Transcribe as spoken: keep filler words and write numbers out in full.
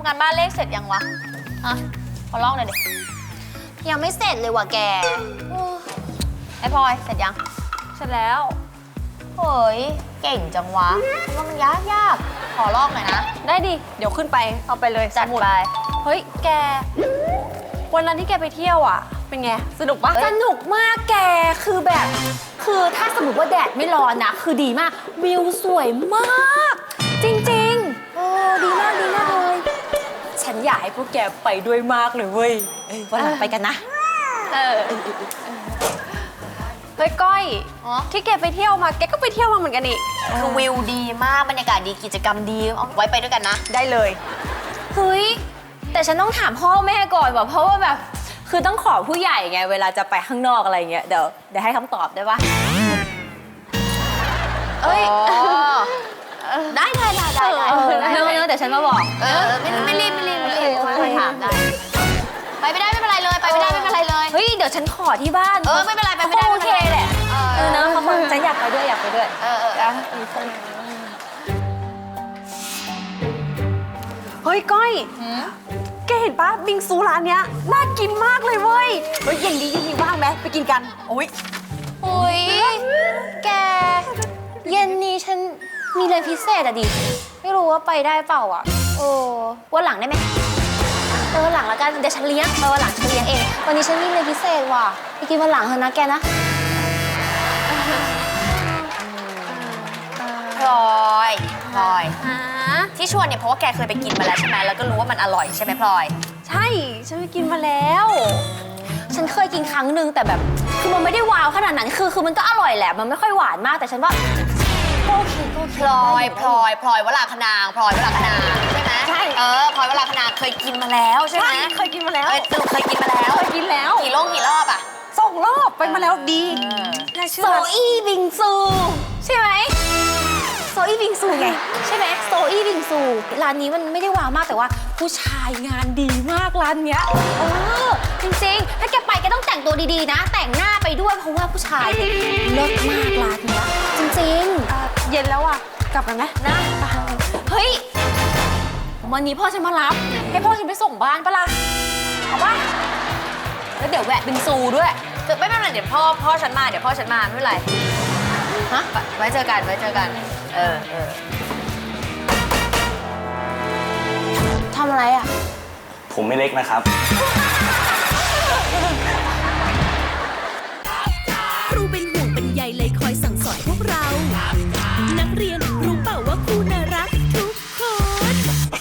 ำการบ้านเลขเสร็จยังวะฮะขอลองหน่อยดิยังไม่เสร็จเลยว่ะแกไอพลอยเสร็จยังเสร็จแล้วเฮ้ยเก่งจังวะฉันว่ามันยากยากขอลอกหน่อยนะได้ดิเดี๋ยวขึ้นไปเอาไปเลยจัดไปเฮ้ยแกวันนั้นที่แกไปเที่ยวอ่ะเป็นไงสนุกปะสนุกมากแกคือแบบคือถ้าสมมติว่าแดดไม่ร้อนนะคือดีมากวิวสวยมาก จริงๆโอ้ดีมากดีมากเลยฉันอยากให้พวกแกไปด้วยมากเลยเว้ยวันหลังไปกันนะเออเฮ้ยก้อยที่แกไปเที่ยวมาแกก็ไปเที่ยวมาเหมือนกันนี่คือวิวดีมากบรรยากาศดีกิจกรรมดีเอาไว้ไปด้วยกันนะได้เลยเฮ้ยแต่ฉันต้องถามพ่อแม่ก่อนว่ะเพราะว่าแบบคือต้องขอผู้ใหญ่ไงเวลาจะไปข้างนอกอะไรเงี้ยเดี๋ยวเดี๋ยวให้คำตอบได้ปะเอ้ยได้ได้ได้ได้ได้เนื้อเนื้อแต่ฉันมาบอกเออไม่ไม่รีบไม่รีบไม่รีบค่อยถามได้ไปไม่ได้ไม่เป็นไรเลยไปไม่ได้ไม่เป็นไรเลยเฮ้ยเดี๋ยวฉันขอที่บ้านเออไม่เป็นไรไปไม่ได้โอเคแหละเออเนอะเขาฉันอยากไปด้วยอยากไปด้วยเออเออเฮ้ยก้อยแกเห็นปะบิงซูร้านเนี้ยน่ากินมากเลยเว้ยเฮ้ยเย็นดีเย็นดีว่างไหมไปกินกันโอ้ยโอ้ยแกเย็นนี้ฉันมีเรียนพิเศษอะดิไม่รู้ว่าไปได้เปล่าอะโอ้วันหลังได้ไหมเออหลังละกันเดี๋ยวฉันเลี้ยงมาวันหลังฉันเลี้ยงเองวันนี้ฉันมีเรียนพิเศษว่ะไปกินวันหลังเถอะนะแกนะพลอยพลอยที่ชวนเนี่ยเพราะว่าแกเคยไปกินมาแล้วใช่ไหมแล้วก็รู้ว่ามันอร่อยใช่ไหมพลอยใช่ฉันไปกินมาแล้วฉันเคยกินครั้งหนึ่งแต่แบบคือมันไม่ได้ว้าวขนาดนั้นคือคือมันก็อร่อยแหละมันไม่ค่อยหวานมากแต่ฉันว่าโอเคโอเคพลอยพลอยพลอยวราคนางพลอยวราคนางใช่ไหมใช่เออพลอยวราคนางเคยกินมาแล้วใช่ไหมเคยกินมาแล้วสรุปเคยกินมาแล้วเคยกินแล้วกี่รอบกี่รอบอ่ะสองรอบไปมาแล้วดีโซอี้บิงซูใช่ไหมโซอี้บิงซูไงใช่ไหมโซอี้บิงซูร้านนี้มันไม่ได้ว้าวมากแต่ว่าผู้ชายงานดีมากร้านเนี้ยเออจริงๆถ้าแกไปแกต้องแต่งตัวดีๆนะแต่งหน้าไปด้วยเพราะว่าผู้ชายเลิศมากร้านเนี้ยจริงๆเย็นแล้วอ่ะกลับกันไหมนะเฮ้ยวันนี้พ่อฉันมารับให้พ่อฉันไปส่งบ้านปะล่ะเอาปะแล้วเดี๋ยวแวะบิงซูด้วยคือไม่เป็นไรเดี๋ยวพ่อพ่อฉันมาเดี๋ยวพ่อฉันมาไม่เป็นไรฮะไว้เจอกันไว้เจอกันเออเออทำอะไรอ่ะผมไม่เล็กนะครับครูเป็นห่วงเป็นใยเลยคอยสั่งสอนพวกเรานักเรียนรู้เปล่าว่าครูนั้น